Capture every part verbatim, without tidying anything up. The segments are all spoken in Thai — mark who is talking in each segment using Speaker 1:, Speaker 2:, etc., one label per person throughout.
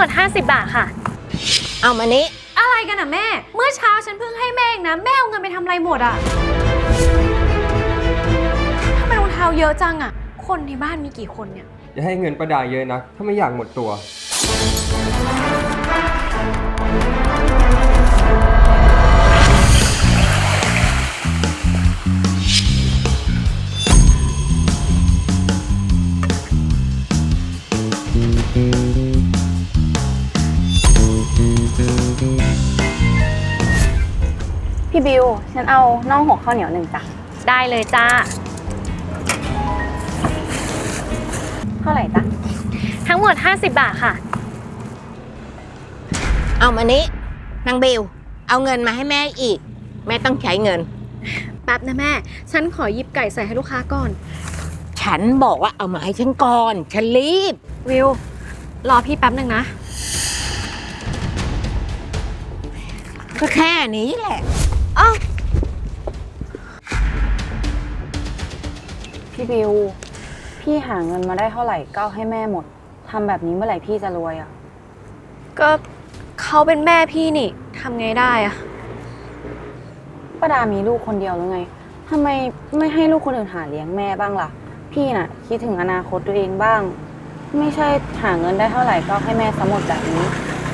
Speaker 1: หมดห้าสิบบาทค่ะ
Speaker 2: เอามานี้
Speaker 1: อะไรกันอ่ะแม่เมื่อเช้าฉันเพิ่งให้แม่เองนะแม่เอาเงินไปทำอะไรหมดอ่ะทำไมรองเท้าเยอะจังอ่ะคนในบ้านมีกี่คนเนี่ย
Speaker 3: อย่าให้เงินประดาเยอะนะถ้าไม่อยากหมดตัว
Speaker 4: พี่บิวฉันเอาน่องหกข้าวเหนียวหนึ่งจ้ะ
Speaker 1: ได้เลยจ้า
Speaker 4: เท่าไหร่จ้ะ
Speaker 1: ทั้งหมดห้าสิบบาทค่ะ
Speaker 2: เอามานี้นางบิวเอาเงินมาให้แม่อีกแม่ต้องใช้เงิน
Speaker 1: แป๊บนะแม่ฉันขอหยิบไก่ใส่ให้ลูกค้าก่อน
Speaker 2: ฉันบอกว่าเอามาให้ฉันก่อนฉันรีบ
Speaker 1: วิวรอพี่แป๊บหนึ่งนะ
Speaker 2: ก็แค่นี้แหละ
Speaker 1: อ้าว
Speaker 4: พี่บิวพี่หาเงินมาได้เท่าไหร่ก็เอาให้แม่หมดทำแบบนี้เมื่อไหร่พี่จะรวยอ่ะ
Speaker 1: ก็เขาเป็นแม่พี่นี่ทำไงได้อะ
Speaker 4: ป้าดามีลูกคนเดียวหรือไงทำไมไม่ให้ลูกคนอื่นหาเลี้ยงแม่บ้างล่ะพี่น่ะคิดถึงอนาคตตัวเองบ้างไม่ใช่หาเงินได้เท่าไหร่ก็ให้แม่สมหมดแบบนี้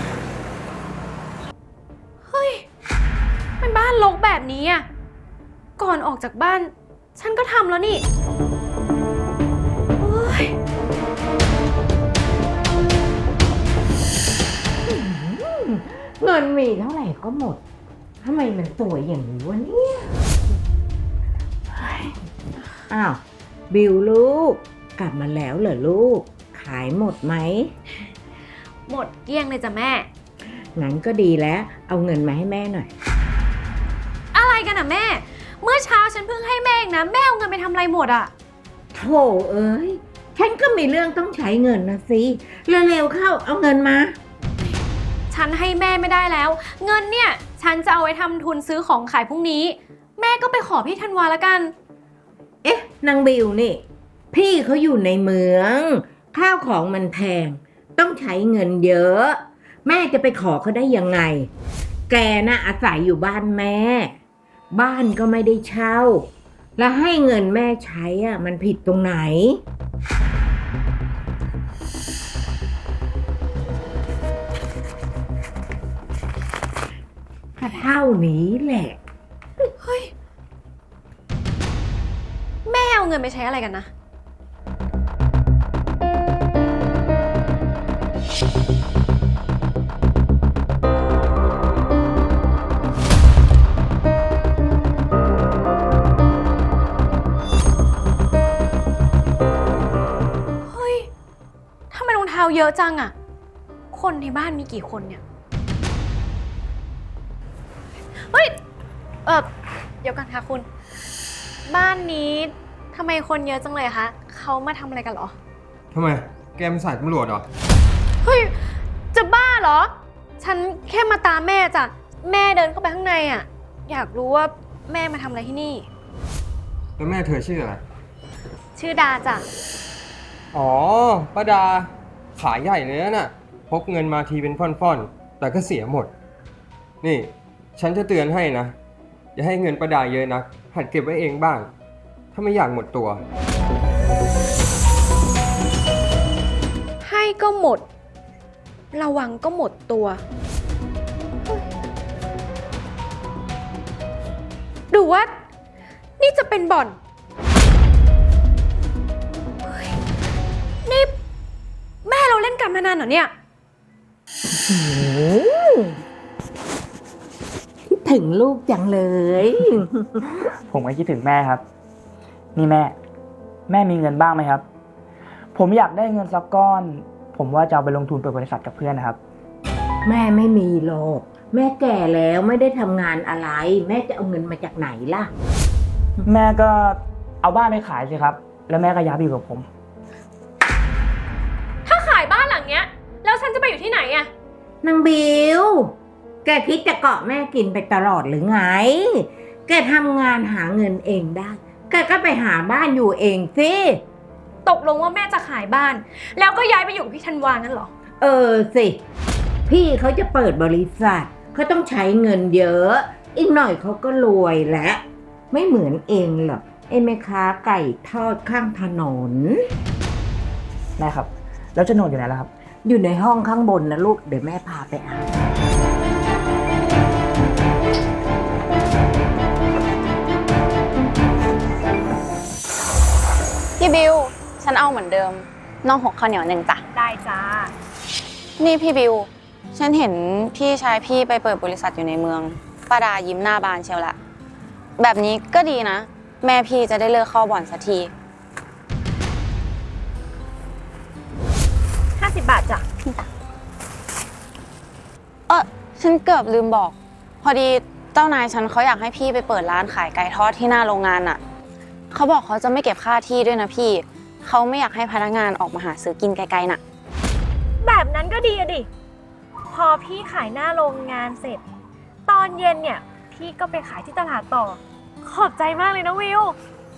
Speaker 1: เฮ้ยมันบ้านรกแบบนี้อ่ะก่อนออกจากบ้านฉันก็ทำแล้วนี่
Speaker 2: เงินมีเท่าไหร่ก็หมดทำไมมันสวยอย่างนี้วะเนี่ยอ้าวบิวลูกกลับมาแล้วเหรอลูกขายหมดไหม
Speaker 1: หมดเกลี้ยงเลยจ้ะแม่
Speaker 2: งั้นก็ดีแล้วเอาเงินมาให้แม่หน่อย
Speaker 1: อะไรกันอ่ะแม่เมื่อเช้าฉันเพิ่งให้แม่เองนะแม่เอาเงินไปทำอะไรหมดอ่ะ
Speaker 2: โธ่เอ้ยฉันก็มีเรื่องต้องใช้เงินนะสิเร็วๆเข้าเอาเงินมา
Speaker 1: ฉันให้แม่ไม่ได้แล้วเงินเนี่ยฉันจะเอาไว้ทำทุนซื้อของขายพรุ่งนี้แม่ก็ไปขอพี่ธันวาละกัน
Speaker 2: เอ๊ะนางบิวนี่พี่เขาอยู่ในเมืองข้าวของมันแพงต้องใช้เงินเยอะแม่จะไปขอเขาได้ยังไงแกน่ะอาศัยอยู่บ้านแม่บ้านก็ไม่ได้เช่าแล้วให้เงินแม่ใช้อ่ะมันผิดตรงไหนก็เท่านี้แหละ
Speaker 1: เฮ้ยแม่เอาเงินไปใช้อะไรกันนะเฮ้ยทำไมรองเท้าเยอะจังอะคนในบ้านมีกี่คนเนี่ยเฮ้ยเออเดี๋ยวกันค่ะคุณบ้านนี้ทำไมคนเยอะจังเลยคะเขามาทำอะไรกันเหรอ
Speaker 3: ทำไมแกเป็นสายตำรวจเหรอ
Speaker 1: เฮ้ยจะบ้าเหรอฉันแค่มาตามแม่จ้ะแม่เดินเข้าไปข้างในอ่ะอยากรู้ว่าแม่มาทำอะไรที่นี่
Speaker 3: แล้วแม่เธอชื่ออะไร
Speaker 1: ชื่อดาจ้ะ
Speaker 3: อ๋อป้าดาขายใหญ่เลยน่ะพกเงินมาทีเป็นฟ่อนๆแต่ก็เสียหมดนี่ฉันจะเตือนให้นะอย่าให้เงินประดาเยอะนะหัดเก็บไว้เองบ้างถ้าไม่อยากหมดตัว
Speaker 1: ให้ก็หมดระวังก็หมดตัวดูว่านี่จะเป็นบ่อนนี่แม่เราเล่นการพนันเหรอเนี่ย
Speaker 2: ถึงลูกจังเลย
Speaker 5: ผมก็คิดถึงแม่ครับนี่แม่แม่มีเงินบ้างไหมครับผมอยากได้เงินสักก้อนผมว่าจะเอาไปลงทุนเปิดบริษัทกับเพื่อนนะครับ
Speaker 2: แม่ไม่มีหรอกแม่แก่แล้วไม่ได้ทำงานอะไรแม่จะเอาเงินมาจากไหนล่ะ
Speaker 5: แม่ก็เอาบ้านไปขายสิครับแล้วแม่ก็ย้ายไปอยู่กับผม
Speaker 1: ถ้าขายบ้านหลังเนี้ยแล้วฉันจะไปอยู่ที่ไหนอะ
Speaker 2: นางบิวแกคิดจะเกาะแม่กินไปตลอดหรือไงแกทำงานหาเงินเองได้แกก็ไปหาบ้านอยู่เองสิ
Speaker 1: ตกลงว่าแม่จะขายบ้านแล้วก็ย้ายไปอยู่กับพี่ธันวางั้นเหรอ
Speaker 2: เออสิ พี่เขาจะเปิดบริษัทเขาต้องใช้เงินเยอะ อีกหน่อยเขาก็รวยแล้วไม่เหมือนเองหรอกไอ้แม่ค้าไก่ทอดข้างถนน
Speaker 5: แม่ครับ แล้วโฉนดอยู่ไหนล่ะครับ
Speaker 2: อยู่ในห้องข้างบนนะลูก เดี๋ยวแม่พาไปเอา
Speaker 4: พี่บิว ฉันเอาเหมือนเดิมน้องหกข้าวเหนียวหนึ่งจ้ะ
Speaker 1: ได้จ้า
Speaker 4: นี่พี่บิว ฉันเห็นพี่ชายพี่ไปเปิดบริษัทอยู่ในเมืองป้าดายิ้มหน้าบานเชียวละแบบนี้ก็ดีนะ แม่พี่จะได้เลิกเข้าบ่อนสักที
Speaker 1: ห้าสิบบาทจ้ะ
Speaker 4: เออฉันเกือบลืมบอก พอดีเจ้านายฉันเขาอยากให้พี่ไปเปิดร้านขายไก่ทอดที่หน้าโรงงานน่ะเขาบอกเขาจะไม่เก็บค่าที่ด้วยนะพี่เขาไม่อยากให้พนักงานออกมาหาซื้อกินไกลๆน่ะ
Speaker 1: แบบนั้นก็ดีอะดิ พอพี่ขายหน้าโรงงานเสร็จ ตอนเย็นเนี่ย พี่ก็ไปขายที่ตลาดต่อ ขอบใจมากเลยนะวิว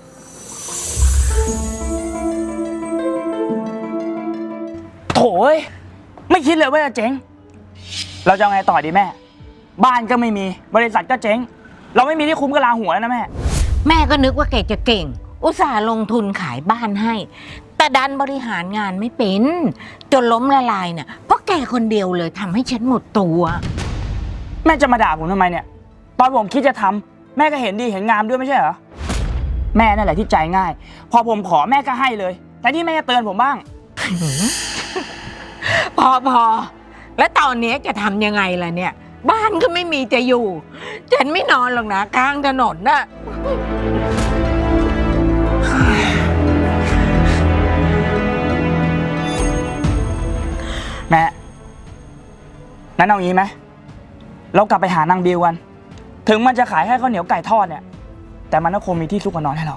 Speaker 5: โถ่เอ้ยไม่คิดเลยว่าจะเจ๊ง เราจะเอาไงต่อดีแม่ บ้านก็ไม่มี บริษัทก็เจ๊ง เราไม่มีที่คุ้มกับลาหัวแล้วนะแม่
Speaker 2: แม่ก็นึกว่าแกจะเก่ง อุตส่าห์ลงทุนขายบ้านให้ แต่ดันบริหารงานไม่เป็น จนล้มละลายเนี่ยเพราะแกคนเดียวเลยทำให้ฉันหมดตัว
Speaker 5: แม่จะมาด่าผมทำไมเนี่ย ตอนผมคิดจะทำแม่ก็เห็นดีเห็นงามด้วยไม่ใช่เหรอ แม่นั่นแหละที่ใจง่าย พอผมขอแม่ก็ให้เลย แต่ที่แม่จะเตือนผมบ้าง
Speaker 2: พอพอแล้วตอนนี้จะทำยังไงล่ะเนี่ย บ้านก็ไม่มีจะอยู่ ฉันไม่นอนหรอกนะกลางถนนน่ะ
Speaker 5: แม่นั้นเอางี้ไหมเรากลับไปหานางบิวกัน ถึงมันจะขายแค่ข้าวเหนียวไก่ทอดเนี่ย แต่มันก็คงมีที่ซุกหัวนอนให้เรา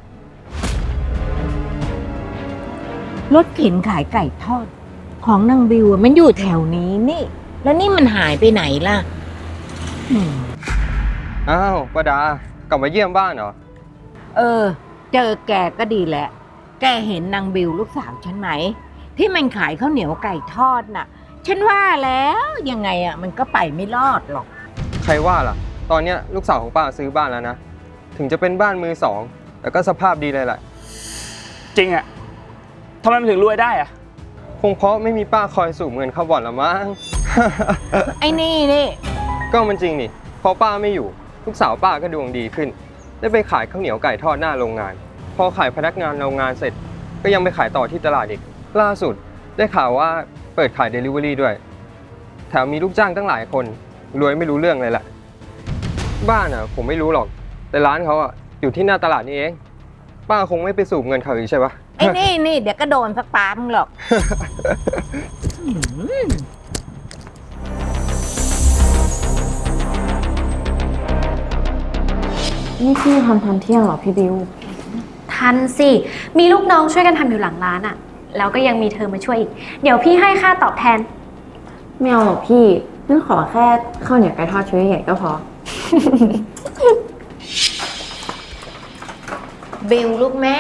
Speaker 2: รถเข็นขายไก่ทอด ของนางบิวอะมันอยู่แถวนี้นี่ แล้วนี่มันหายไปไหนล่ะอืม
Speaker 3: อ้าวป้าดากลับมาเยี่ยมบ้านเหรอ
Speaker 2: เออ เจอแกก็ดีแหละ แกเห็นนางบิวลูกสาวฉันไหม ที่มันขายข้าวเหนียวไก่ทอดน่ะ ฉันว่าแล้วยังไงอ่ะมันก็ไปไม่รอดหรอก
Speaker 3: ใครว่าล่ะ ตอนเนี้ยลูกสาวของป้าซื้อบ้านแล้วนะ ถึงจะเป็นบ้านมือสอง แต่ก็สภาพดีเลยแหละ
Speaker 5: จริงอะทำไมมันถึงรวยได้อะ
Speaker 3: คงเพราะไม่มีป้าคอยสูบเงินเข้าบ่อนละมั้ง
Speaker 2: ไอ้นี่นี่
Speaker 3: ก็มันจริงนี่ พอป้าไม่อยู่ ลูกสาวป้าก็ดวงดีขึ้น ได้ไปขายข้าวเหนียวไก่ทอดหน้าโรงงาน พอขายพนักงานโรงงานเสร็จ ก็ยังไปขายต่อที่ตลาดอีก ล่าสุดได้ข่าวว่าเปิดขาย Delivery ด้วย แถมมีลูกจ้างตั้งหลายคน รวยไม่รู้เรื่องเลยแหละ บ้านอ่ะผมไม่รู้หรอก แต่ร้านเขาอ่ะอยู่ที่หน้าตลาดนี่เอง ป้าคงไม่ไปสูบเงินเขาอีกใช่ปะ
Speaker 2: ไอ้นี่นี่เดี๋ยวก็โดนสักปามงหรอกอืม
Speaker 4: นี่พี่ทำทันเที่ยงเหรอพี่บิว
Speaker 1: ทันสิ มีลูกน้องช่วยกันทำอยู่หลังร้านอะแล้วก็ยังมีเธอมาช่วยอีก เดี๋ยวพี่ให้ค่าตอบแทน
Speaker 4: ไม่เอาหรอกพี่นั่นขอแค่ข้าวเหนียวไก่ทอดชิ้นใหญ่ก็พอ
Speaker 2: บิวลูกแม่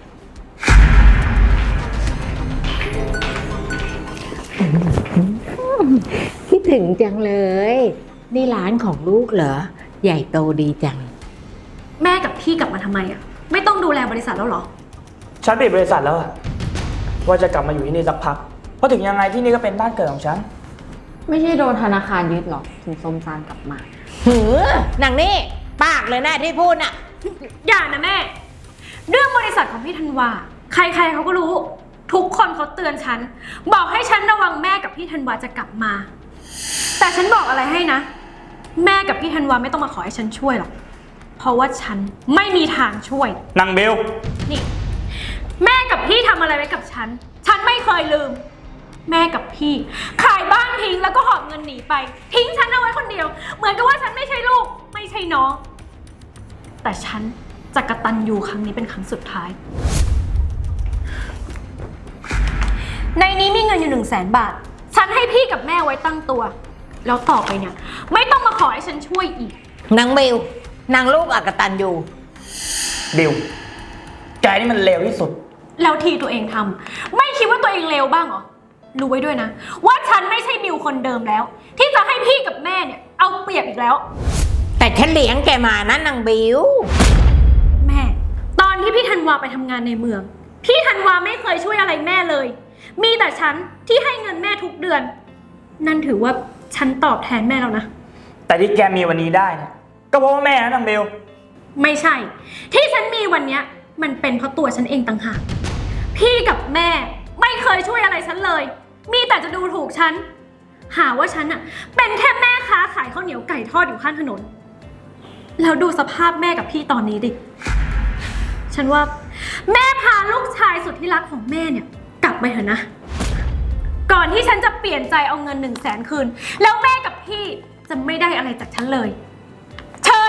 Speaker 2: คิดถึงจังเลย นี่ร้านของลูกเหรอ ใหญ่โตดีจัง
Speaker 1: แม่กับพี่กลับมาทำไมอะไม่ต้องดูแลบริษัทแล้วเหรอ
Speaker 5: ฉันปิดบริษัทแล้วอะว่าจะกลับมาอยู่ที่นี่สักพัก เพราะถึงยังไงที่นี่ก็เป็นบ้านเกิดของฉัน
Speaker 4: ไม่ใช่โดนธนาคารยึดหรอกถึงส้มซานกลับมา
Speaker 2: หือนางนี่ปากเลยนะที่พูดน่ะ
Speaker 1: อย่านะแม่ เรื่องบริษัทของพี่ธันวา ใครๆเขาก็รู้ ทุกคนเขาเตือนฉัน บอกให้ฉันระวังแม่กับพี่ธันวาจะกลับมา แต่ฉันบอกอะไรให้นะ แม่กับพี่ธันวาไม่ต้องมาขอให้ฉันช่วยหรอก เพราะว่าฉันไม่มีทางช่วย
Speaker 5: นางเบล
Speaker 1: นี่ แม่กับพี่ทำอะไรไว้กับฉัน ฉันไม่เคยลืม แม่กับพี่ ขายบ้านทิ้งแล้วก็หอบเงินหนีไป ทิ้งฉันเอาไว้คนเดียว เหมือนกับว่าฉันไม่ใช่ลูก ไม่ใช่น้อง แต่ฉันจะกตัญญูครั้งนี้เป็นครั้งสุดท้าย ในนี้มีเงินอยู่หนึ่งแสนบาท ฉันให้พี่กับแม่ไว้ตั้งตัว แล้วต่อไปเนี่ย ไม่ต้องมาขอให้ฉันช่วยอีก
Speaker 2: นางบิว นางลูกอกตันอยู่
Speaker 5: บิล แกนี่มันเลวที่สุด
Speaker 1: แล้วทีตัวเองทำไม่คิดว่าตัวเองเลวบ้างเหรอรู้ไว้ด้วยนะ ว่าฉันไม่ใช่บิวคนเดิมแล้ว ที่จะให้พี่กับแม่เนี่ยเอาเปรียบอีกแล้ว
Speaker 2: แต่ฉันเลี้ยงแกมานะนางบิว
Speaker 1: แม่ ตอนที่พี่ธันวาไปทำงานในเมือง พี่ธันวาไม่เคยช่วยอะไรแม่เลย มีแต่ฉันที่ให้เงินแม่ทุกเดือน นั่นถือว่าฉันตอบแทนแม่แล้วนะ
Speaker 5: แต่ที่แกมีวันนี้ได้เนี่ยก็เพราะว่าแม่นะนางเบล
Speaker 1: ไม่ใช่ ที่ฉันมีวันเนี้ยมันเป็นเพราะตัวฉันเองต่างหากพี่กับแม่ไม่เคยช่วยอะไรฉันเลย มีแต่จะดูถูกฉัน หาว่าฉันอะเป็นแค่แม่ค้าขายข้าวเหนียวไก่ทอดอยู่ข้างถนน แล้วดูสภาพแม่กับพี่ตอนนี้ดิ ฉันว่าแม่พาลูกชายสุดที่รักของแม่เนี่ยกลับไปเถอะนะ ก่อนที่ฉันจะเปลี่ยนใจเอาเงินหนึ่งแสนคืน แล้วแม่กับพี่จะไม่ได้อะไรจากฉันเลย เชิญ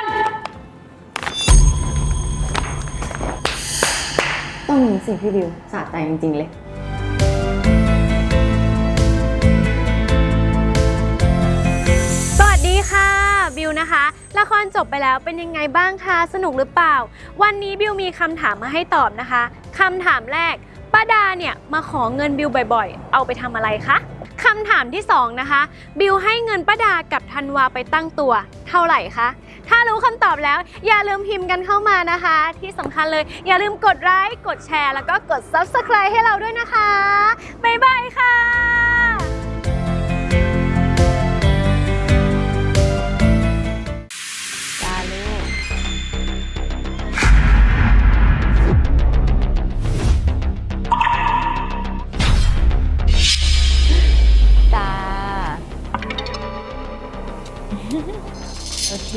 Speaker 4: ต้องมีสิพี่บิวสะใจจริงๆเลย
Speaker 1: สวัสดีค่ะบิวนะคะละครจบไปแล้วเป็นยังไงบ้างคะสนุกหรือเปล่า วันนี้บิวมีคำถามมาให้ตอบนะคะคำถามแรกป้าดาเนี่ยมาขอเงินบิวบ่อยๆเอาไปทำอะไรคะคำถามที่สองนะคะบิวให้เงินป้าดากับธันวาไปตั้งตัวเท่าไหร่คะถ้ารู้คำตอบแล้วอย่าลืมพิมพ์กันเข้ามานะคะ ที่สำคัญเลยอย่าลืมกดไลค์กดแชร์แล้วก็กด ซับสไครบ์ ให้เราด้วยนะคะบ๊ายบายค่ะ
Speaker 4: จ้า โอเค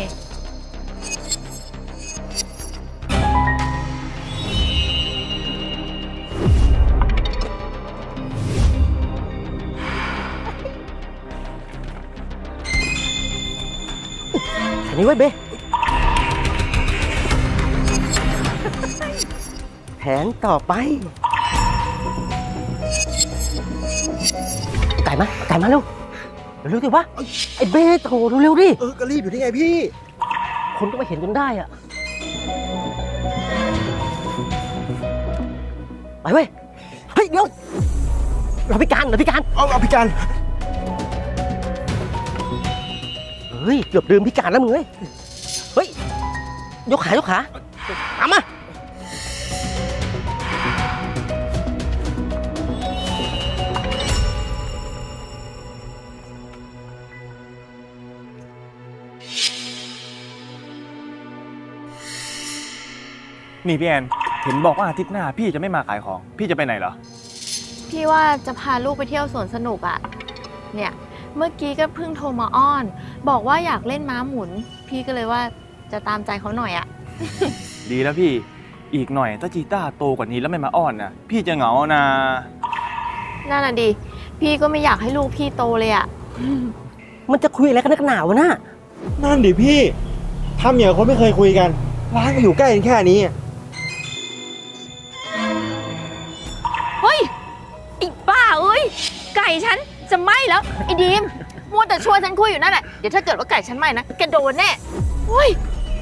Speaker 6: อันนี้ไว้เบแผนต่อไป ไก่มาไก่มาเร็วเร็วๆสิวะไอ้เบ้โถเร็วๆดิ
Speaker 7: เออ ก็รีบอยู่ที่ไงพี่
Speaker 6: คนก็มาเห็นจนได้อะไปเว้ย เฮ้ย เดี๋ยว เราพิการเราพิการ
Speaker 7: เอาเอาพี่การ
Speaker 6: เฮ้ย เกือบลืมพิการแล้วมึงเฮ้ย เฮ้ย ยกขายกขาตามมา
Speaker 8: นี่พี่แอนเห็นบอกว่าอาทิตย์หน้าพี่จะไม่มาขายของ พี่จะไปไหนเหรอ
Speaker 9: พี่ว่าจะพาลูกไปเที่ยวสวนสนุกอะเนี่ย เมื่อกี้ก็เพิ่งโทรมาอ้อน บอกว่าอยากเล่นม้าหมุน พี่ก็เลยว่าจะตามใจเขาหน่อยอะ
Speaker 8: ดีแล้วพี่ อีกหน่อยถ้าจีต้าโตกว่านี้แล้วไม่มาอ้อนนะพี่จะเหงานะ
Speaker 9: นั่นน่ะดิ พี่ก็ไม่อยากให้ลูกพี่โตเลยอะ
Speaker 6: มันจะคุยอะไรกันนักหนาวะน่ะ
Speaker 7: นั่นดิพี่ทำอย่างคนไม่เคยคุยกัน ร้านก็อยู่ใกล้กันแค่นี้
Speaker 9: เฮ้ยไอ้บ้าเอ้ย ไก่ฉันจะไหม้แล้ว ไอ้ดีมมัวแต่ชวนฉันคุยอยู่นั่นแหละเดี๋ยวถ้าเกิดว่าไก่ฉันไหม้นะแกโดนแน่เฮ้ย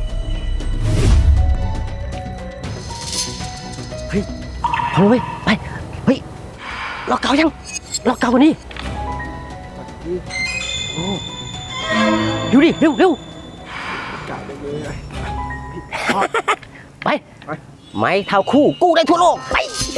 Speaker 6: เฮ้ยพอแล้วเว้ย ไป เฮ้ยล็อกเกายังล็อกเกากันนี่โอ้ดูดิ เร็วเร็วไป ไม้เท้าคู่ กู้ได้ทั่วโลก ไป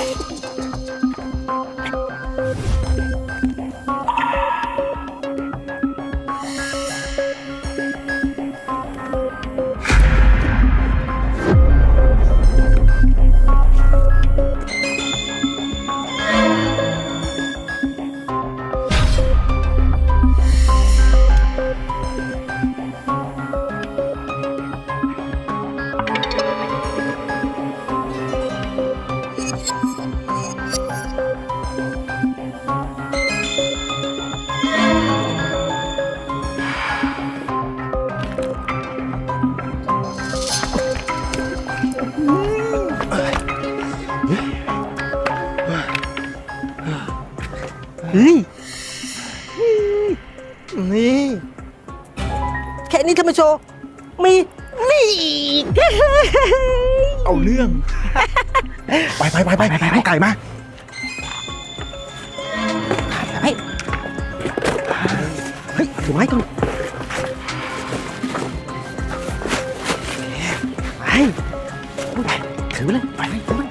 Speaker 6: เฮ้ย
Speaker 7: นี่
Speaker 6: แค่นี้ทำไมโชว์ มีนี่อีก
Speaker 7: เอาเรื่อง ไปไปไปไปไปเอาไก่มา
Speaker 6: ถือไว้ก่อนไปถือเลยไปเลยถือเลย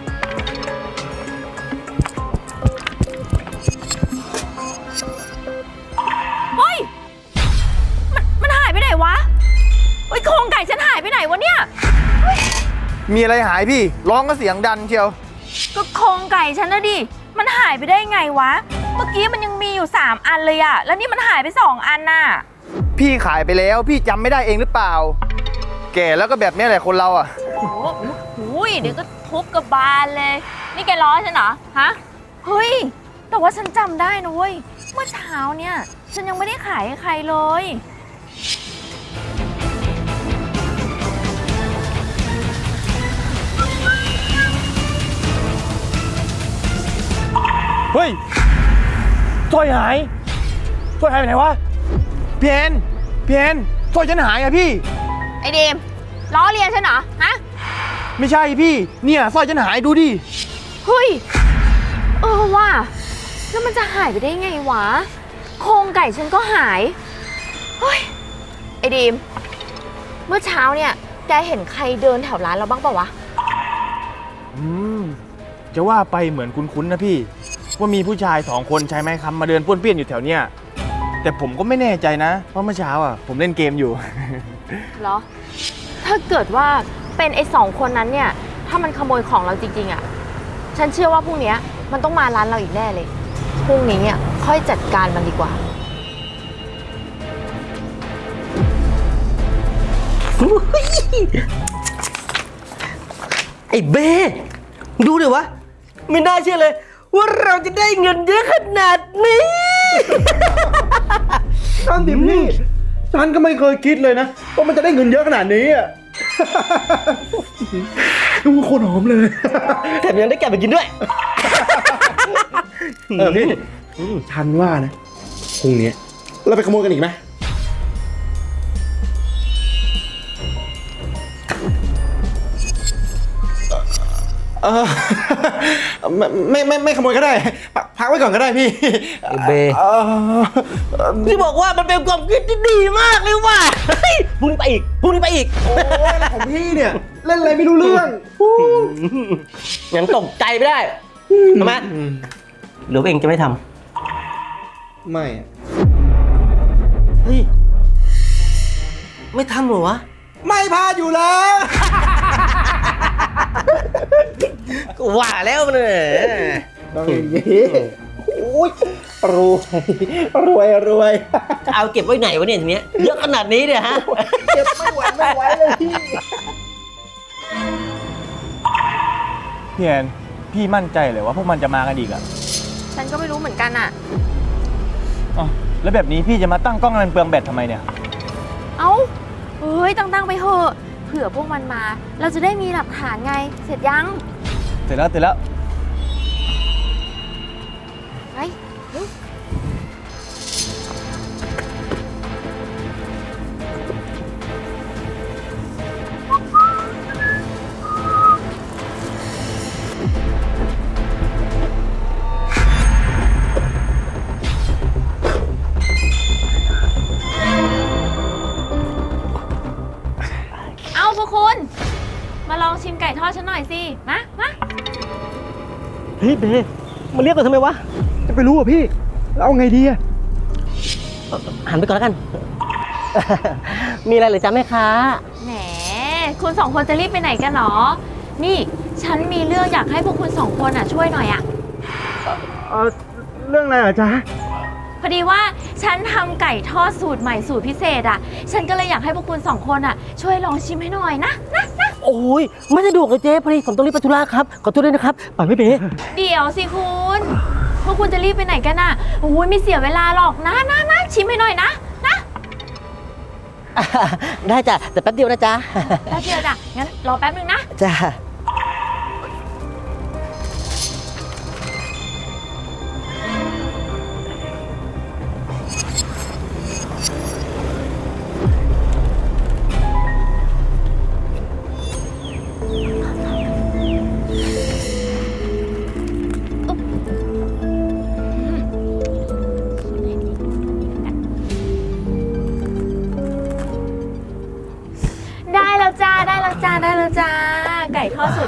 Speaker 9: เฮ้ย มันมันหายไปไหนวะเฮ้ยโครงไก่ฉันหายไปไหนวะเนี่ย
Speaker 8: มีอะไรหายพี่ ร้องก็เสียงดันเชียว
Speaker 9: ก็โครงไก่ฉันนะดิ มันหายไปได้ไงวะ เมื่อกี้มันยังมีอยู่สามอันเลยอะแล้วนี่มันหายไปสองอันน่ะ
Speaker 8: พี่ขายไปแล้ว พี่จำไม่ได้เองหรือเปล่า แก่แล้วก็แบบนี้แหละคนเราอ่ะ
Speaker 9: โอ้โหเดี๋ยวก็ทุบกระบาลเลย นี่แกล้อฉันเหรอ ฮะ เฮ้ย แต่ว่าฉันจำได้นะเว้ย เมื่อเช้าเนี่ย ฉันยังไม่ได้ขายให้ใครเลย
Speaker 8: เฮ้ยสร้อยหายสร้อยหายไปไหนวะพี่แอนพี่แอนสร้อยฉันหายอะพี่
Speaker 9: ไอเดมล้อเลียนฉันเหรอ ฮะ
Speaker 8: ไม่ใช่พี่ เนี่ยสร้อยฉันหายดูดิ
Speaker 9: เฮ้ย เออว่ะแล้วมันจะหายไปได้ไงวะ โครงไก่ฉันก็หาย เฮ้ย ไอดีม เมื่อเช้าเนี่ย แกเห็นใครเดินแถวร้านเราบ้างเปล่าวะ
Speaker 8: อืมจะว่าไปเหมือนคุ้นๆนะพี่ ว่ามีผู้ชายสองคนใช้ไม้ค้ำมาเดินป้วนเปี้ยนอยู่แถวเนี้ยแต่ผมก็ไม่แน่ใจนะเพราะเมื่อเช้าอ่ะผมเล่นเกมอยู่
Speaker 9: เหรอ ถ้าเกิดว่าเป็นไอ้สองคนนั้นเนี่ย ถ้ามันขโมยของเราจริงๆอะ่ะ ฉันเชื่อว่าพรุ่งนี้มันต้องมาร้านเราอีกแน่เลย พรุ่งนี้อ่ะค่อยจัดการมันดีกว่า
Speaker 6: ไอ้เบ้ดูดิวะ ไม่น่าเชื่อเลย ว่าเราจะได้เงินเยอะขนาดนี้
Speaker 7: นั่นดิพี่ฉันก็ไม่เคยคิดเลยนะว่ามันจะได้เงินเยอะขนาดนี้อ่ะ ดูโคนหอมเลย
Speaker 6: แถมยังได้แกะไปกินด้วย
Speaker 7: เออพี่ฉันว่านะพรุ่งนี้เราไปขโมยกันอีกไหมเออไม่ไม่ไม่ไม่ขโมยก็ได้พักพักไว้ก่อนก็ได้พี่
Speaker 6: ไอ้เบ้
Speaker 7: เออ
Speaker 6: พี่บอกว่ามันเป็นความคิดที่ดีมากเลยว่ะเฮ้ยพรุ่งนี้ไปอีกพรุ่งนี้ไปอีก
Speaker 7: โอ้ยอะไรของพี่เนี่ย เล่นอะไรไม่รู้เรื่อง
Speaker 6: ยังตกใจไม่ได้ทำไมหรือว่าเองจะไม่ท
Speaker 7: ไม่อะ
Speaker 6: ำเฮ้ย ไม่ทำเหรอวะ
Speaker 7: ไม่พลาดอยู่แล้ว
Speaker 6: ก็ว่าแล้วมันเนี่ย
Speaker 7: ต้องอย่างนี้โอ้ยรวยรวยรวย
Speaker 6: จะเอาเก็บไว้ไหนวะเนี่ยทีเนี้ยเยอะขนาดนี้เนี่ยฮะ
Speaker 7: เก็บไม่ไหวไม่ไหวเลยพี่
Speaker 8: พี่แอนพี่มั่นใจเลยว่าพวกมันจะมากันอีกอ่ะ
Speaker 9: ฉันก็ไม่รู้เหมือนกันอ่ะ
Speaker 8: อ๋อแล้วแบบนี้พี่จะมาตั้งกล้องนันเปลืองแบตทำไมเนี่ย
Speaker 9: เอ้า เฮ้ย ตั้งๆไปเถอะ เผื่อพวกมันมา เราจะได้มีหลักฐานไง เสร็จยัง
Speaker 8: เสร็จแล้วเสร็จแล้ว
Speaker 9: ไปเร็ว เอาพวกคุณ มาลองชิมไก่ทอดฉันหน่อยสิ มา มา
Speaker 6: เฮ้ยเบมาเรียกกันทำไมวะ
Speaker 7: จะไปรู้อ่ะพี่แล้วเอาไงดีอ่ะ
Speaker 6: หันไปก่อนแล้วกัน มีอะไรเหรือจ๊ะแม่ค้า
Speaker 9: แหม คุณสองคนจะรีบไปไหนกันหรอ นี่ ฉันมีเรื่องอยากให้พวกคุณสองคนอ่ะช่วยหน่อยอ่ะ
Speaker 7: เออเรื่องอะไรอ่ะจ๊ะ
Speaker 9: พอดีว่าฉันทำไก่ทอดสูตรใหม่สูตรพิเศษอ่ะ ฉันก็เลยอยากให้พวกคุณสองคนอ่ะช่วยลองชิมให้หน่อยนะนะนะ
Speaker 6: โอ้ยไม่สะดวกเลยเจ๊พอดีผมต้องรีบไปธุระครับ ขอโทษด้วยนะครับไปไม่เบ
Speaker 9: เดี๋ยวสิคุณ พวกคุณจะรีบไปไหนกันอ่ะโอ้ยไม่เสียเวลาหรอกนะนะนะชิมให้หน่อยนะนะ
Speaker 6: ได้จ้ะแต่แป๊บเดียวนะจ๊ะ
Speaker 9: แป๊บเดียวจ้ะ งั้นรอแป๊บนึงนะ
Speaker 6: จ้ะ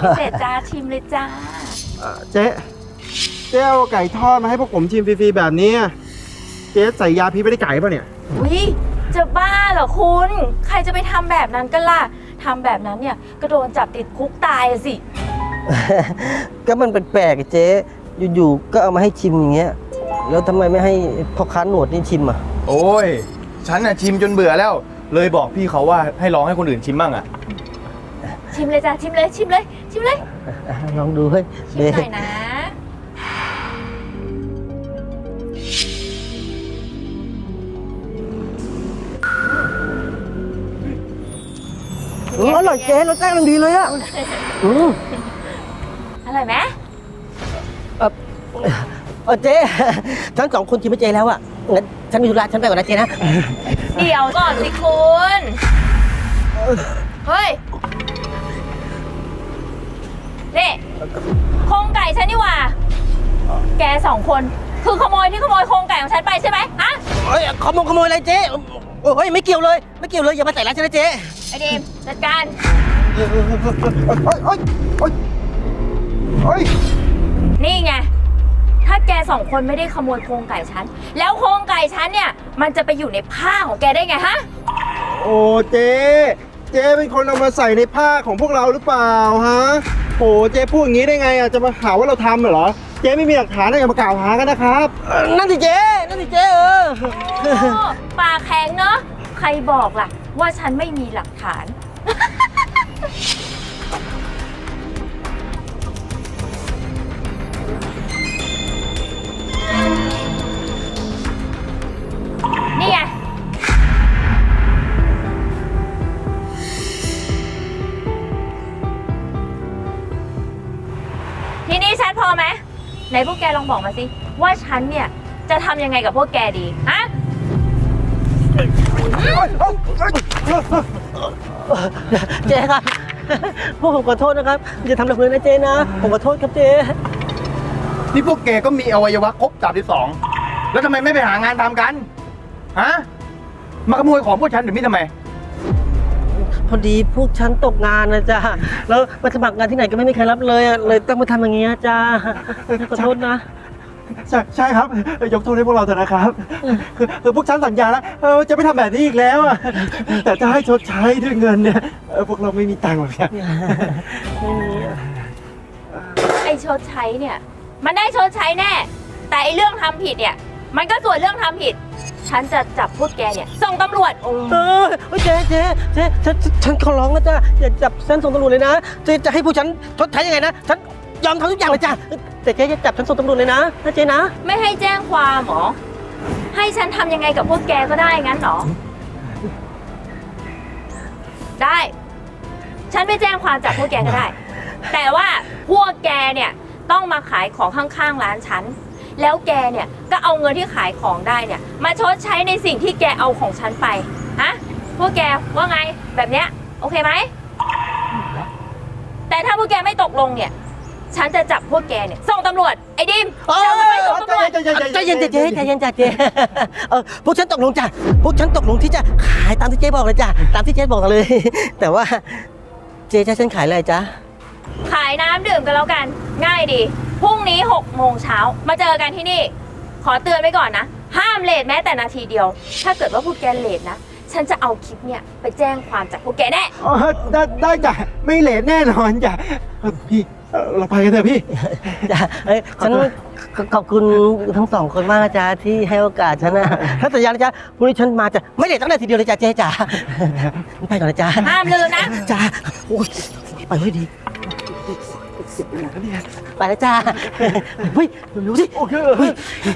Speaker 9: เสร็จจ้าชิมเลยจ้า
Speaker 7: เจ๊เจ๊เอาไก่ทอดมาให้พวกผมชิมฟรีๆแบบนี้อะเจ๊ใส่ยาพิษไม่ได้ไก่ป่ะเนี่ย
Speaker 9: วิจะบ้าเหรอคุณ ใครจะไปทำแบบนั้นกันล่ะทำแบบนั้นเนี่ยก็โดนจับติดคุกตายอะสิ
Speaker 6: ก็มันแปลกๆอะเจ๊อยู่ๆก็เอามาให้ชิมอย่างเงี้ยแล้วทำไมไม่ให้พ่อค้าหนวดนี่ชิมอ่ะ
Speaker 8: โอ้ย ฉันน่ะชิมจนเบื่อแล้ว เลยบอกพี่เขาว่าให้ลองให้คนอื่นชิมบ้างอ่ะ
Speaker 9: ชิมเลยจ้าชิมเลยชิมเลยชิมเลย
Speaker 6: อ่ะลองดูเฮ้ย
Speaker 9: ชิม
Speaker 6: เบ๊
Speaker 9: หน่อยนะ
Speaker 6: อืมอร่อยเจ๊รสชาติมันดีเลยอ่ะอืม
Speaker 9: อร่อยไหม
Speaker 6: เออเออเจ๊ฉันสองคนชิมไม่เจ๊แล้วอ่ะงั้นฉันมีธุระฉันไปก่อนนะเจ๊นะ
Speaker 9: เดี๋ยวก่อนสิคุณเฮ้ยนี่โครงไก่ฉันนี่หว่าแกสองคนคือขโมยที่ขโมยโครงไก่ของฉันไปใช่ไหมฮะ
Speaker 6: เฮ้ยขโมยขโมยอะไรเจ๊โอ้ยไม่เกี่ยวเลยไม่เกี่ยวเลยอย่ามาใส่ร้ายฉันนะเจ๊
Speaker 9: ไอเดมจัดการ
Speaker 7: เฮ้ยเฮ้ยเฮ้ยเฮ้ย
Speaker 9: นี่ไง ถ้าแกสองคนไม่ได้ขโมยโครงไก่ฉัน แล้วโครงไก่ฉันเนี่ย มันจะไปอยู่ในผ้าของแกได้ไงฮะ
Speaker 7: โอ้เจ๊เจ๊เป็นคนเอามาใส่ในผ้าของพวกเราหรือเปล่าฮะโอ้เจ๊พูดอย่างนี้ได้ไงอ่ะจะมาหาว่าเราทำเหรอเจ๊ไม่มีหลักฐานอะไรอย่ามากล่าวหากันนะครับ
Speaker 6: เออนั่นสิเจ๊นั่นสิเจ๊เออ
Speaker 9: โอ้ปากแข็งเนาะ ใครบอกล่ะ ว่าฉันไม่มีหลักฐาน นี่ไง ทีนี้ฉันพอไหมไหนพวกแกลองบอกมาสิ ว่าฉันเนี่ย จะทำยังไงกับพวกแกดี ฮะ
Speaker 6: เจ๊ครับพวกผมขอโทษนะครับอย่าทำแบบนี้นะเจ๊นะผมขอโทษครับเจ๊
Speaker 8: นี่พวกแกก็มีอวัยวะครบสามสิบสองแล้วทำไมไม่ไปหางานทำกัน ฮะ มาขโมยของพวกฉันหรือไม่ทำไม
Speaker 6: พอดีพวกฉันตกงานนะจ๊ะแล้วมาสมัครงานที่ไหนก็ไม่มีใครรับเลยอะเลยต้องมาทำอย่างเงี้ยจ้าขอโทษนะ
Speaker 7: ใช่ใช่ครับยกโทษให้พวกเราเถอะนะครับคือคือพวกฉันสัญญาแล้วเออจะไม่ทำแบบนี้อีกแล้วอะแต่จะให้ชดใช้ด้วยเงินเนี่ยเออพวกเราไม่มีตังค์หรอกครับ
Speaker 6: ไม่มีอะ
Speaker 9: ไอ้ชดใช้เนี่ย มันได้ชดใช้แน่ แต่ไอ้เรื่องทำผิดเนี่ย มันก็ส่วนเรื่องทำผิด ฉันจะจับพวกแกเนี่ย ส่งตำรวจ
Speaker 6: เออเฮ้ยเจ๊เจ๊เจ๊ฉันฉันฉันขอร้องนะจ๊ะอย่าจับฉันส่งตำรวจเลยนะเจ๊จะให้พวกฉันชดใช้ยังไงนะฉันยอมทำทุกอย่างเลยจ้ะแต่เจ๊อย่าจับฉันส่งตำรวจเลยนะนะเจ๊นะ
Speaker 9: ไม่ให้แจ้งความเหรอ ให้ฉันทำยังไงกับพวกแกก็ได้งั้นเหรอ ได้ ฉันไม่แจ้งความจับพวกแกก็ได้ แต่ว่าพวกแกเนี่ยต้องมาขายของข้างๆร้านฉัน แล้วแกเนี่ยก็เอาเงินที่ขายของได้เนี่ย มาชดใช้ในสิ่งที่แกเอาของฉันไป ฮะ พวกแกว่าไงแบบเนี้ยโอเคไหม แต่ถ้าพวกแกไม่ตกลงเนี่ย ฉันจะจับพวกแกเนี่ยส่งตำรวจ ไอ้ดิม
Speaker 6: เออ
Speaker 9: จะไปส่งตำรวจ
Speaker 6: ใจเย็นใจเย็นใจเย็นจ้ะเจ๊เออพวกฉันตกลงจ้ะพวกฉันตกลงที่จะขายตามที่เจ๊บอกเลยจ้ะตามที่เจ๊บอกเลย แต่ว่าเจ๊จะให้ฉันขายอะไรจ๊ะ
Speaker 9: ขายน้ำดื่มกันแล้วกัน ง่ายดี พรุ่งนี้หกโมงเช้ามาเจอกันที่นี่ ขอเตือนไว้ก่อนนะ ห้ามเลทแม้แต่นาทีเดียว ถ้าเกิดว่าพวกแกเลทนะ ฉันจะเอาคลิปเนี่ยไปแจ้งความจับพวกแกแน่
Speaker 7: อ๋อได้ได้จ้ะไม่เลทแน่นอนจ้ะเออพี่เออเราไปกันเถอะพี่
Speaker 6: จ้ะเอ้ยฉันขอขอบคุณทั้งสองคนมากนะจ๊ะที่ให้โอกาสฉันนะถ้าสัญญานะจ๊ะพรุ่งนี้ฉันมาจะไม่เลทตั้งแต่ทีเดียวเลยจ้ะเจ๊จ๋าไปก่อนนะจ๊ะ
Speaker 9: ห้ามลืมนะ
Speaker 6: จ้าโอ้ยไปเฮ้ยดีไปแล้วจ้าเฮ้ยเร็วๆสิโอเคเฮ้ย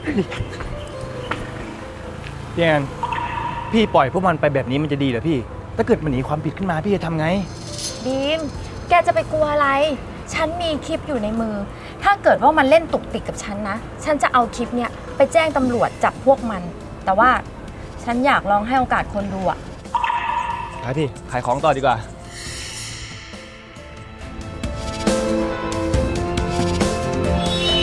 Speaker 8: พี่แอนพี่ปล่อยพวกมันไปแบบนี้มันจะดีเหรอพี่ ถ้าเกิดมันหนีความผิดขึ้นมาพี่จะทำไง
Speaker 9: บีม แกจะไปกลัวอะไร ฉันมีคลิปอยู่ในมือ ถ้าเกิดว่ามันเล่นตุกติกกับฉันนะ ฉันจะเอาคลิปเนี่ยไปแจ้งตำรวจจับพวกมัน แต่ว่าฉันอยากลองให้โอกาสคนดูอะ
Speaker 8: ไปพี่ ขายของต่อดีกว่า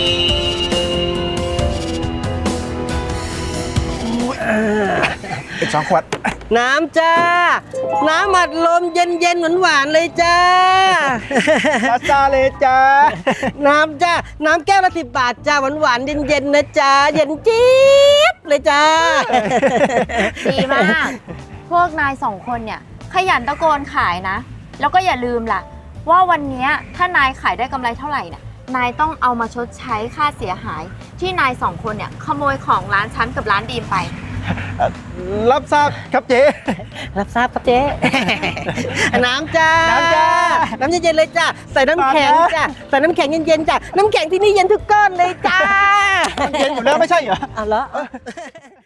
Speaker 6: ช
Speaker 8: สองขวด
Speaker 6: น้ำจ้า น้ำอัดลมเย็นเย็นหวานหวานๆเลยจ้า
Speaker 7: ซาซาเลยจ้า
Speaker 6: น้ำจ้า น้ำแก้วละสิบบาทจ้าหวานหวานๆเย็นเย็นๆนะจ้า เย็นจี๊บเลยจ้า
Speaker 9: ดีมาก พวกนายสองคนเนี่ย ขยันตะโกนขายนะ แล้วก็อย่าลืมล่ะ ว่าวันเนี้ยถ้านายขายได้กำไรเท่าไหร่เนี่ยนายต้องเอามาชดใช้ค่าเสียหาย ที่นายสองคนเนี่ยขโมยของร้านฉันกับร้านดีมไป
Speaker 7: รับทราบครับเจ๊
Speaker 6: รับทราบครับเจ๊ น้ำจ้า
Speaker 7: น้ำจ้า
Speaker 6: น้ำเย็นๆเลยจ้า ใส่น้ำแข็งจ้า ใส่น้ำแข็งเย็นๆจ้า น้ำแข็งที่นี่เย็นทุกก้อนเลยจ้า
Speaker 7: เย็นอยู่แล้วไม่ใช่เหรอ
Speaker 6: เอาเหรอ